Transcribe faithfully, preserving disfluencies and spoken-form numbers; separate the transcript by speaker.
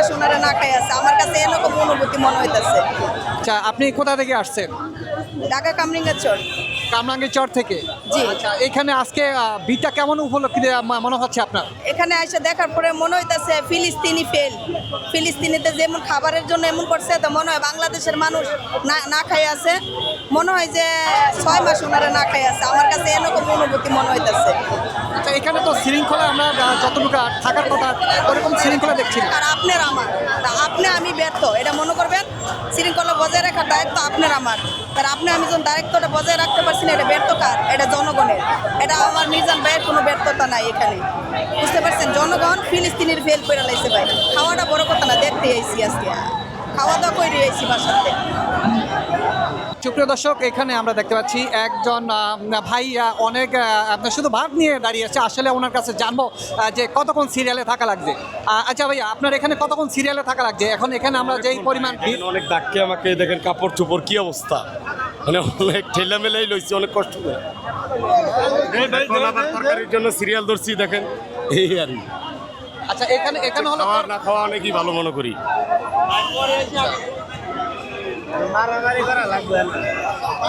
Speaker 1: মাস ওনারা না খাই আছে, আমার কাছে এরকম অনুভূতি মনে হইতেছে।
Speaker 2: আচ্ছা, আপনি কোথা থেকে আসছেন?
Speaker 1: ঢাকা কামরিঙ্গা চর।
Speaker 2: কামরাঙ্গীর চর থেকে।
Speaker 1: জি।
Speaker 2: আচ্ছা, এখানে আজকে আহ, বিটা কেমন উপলক্ষে মা- মনে হচ্ছে আপনার?
Speaker 1: এখানে এসে দেখার পরে মনে হইতেছে ফিলিস্তিনি ফেল। ফিলিস্তিনিতে যেমন খাবারের জন্য এমন করছে, তো মনে হয় বাংলাদেশের মানুষ না না খাই আছে, মনে হয় যে ছয় মাস ওনারা না খাই আছে, আমার কাছে এরকম অনুভূতি মনে হইতেছে।
Speaker 2: আচ্ছা, এখানে তো শৃঙ্খলা আমরা আহ, যতটুকু থাকার কথা ওরকম শৃঙ্খলা দেখছি না।
Speaker 1: আর আপনার আমার, তা আপনি আমি ব্যর্থ এটা মনে করবেন। শৃঙ্খলা বজায় রাখার দায়িত্ব আপনার আমার, তার আপনি আমি যখন দায়িত্বটা বজায় রাখতে পারছি না, এটা ব্যর্থ কার? এটা জনগণের। এটা আমার মিজান ভাইয়ের কোনো ব্যর্থতা নাই এখানে, বুঝতে পারছেন? জনগণ ফিলিস্তিনির ফেল করে লাইছে ভাই। খাওয়াটা বড় কথা না, দেখতে আইসি আজকে, খাওয়া দাওয়া করে আইসি বাসাতে।
Speaker 2: সুপ্রিয় দর্শক, এখানে আমরা দেখতে পাচ্ছি একজন আহ, ভাই আহ, অনেক আহ, আপনার শুধু ভাত নিয়ে দাঁড়িয়ে আছে। আসলে ওনার কাছে জানবো আহ, যে কতক্ষণ সিরিয়ালে থাকা লাগছে। আহ, আচ্ছা ভাই, আপনার এখানে কতক্ষণ সিরিয়ালে থাকা লাগছে? এখন এখানে আমরা যেই পরিমাণ ভিড়,
Speaker 3: এখানে অনেক ডাককে আমাকে দেখেন, কাপড় চোপড় কি অবস্থা, মানে অনেক ঠেলা মেলাই লইছি, অনেক কষ্ট করে। এখন আবার তরকারির জন্য সিরিয়াল ধরছি দেখেন, এই আর কি।
Speaker 2: আচ্ছা এখানে এখানে হলো
Speaker 3: খাওয়া না খাওয়া অনেকই ভালো মনে করি।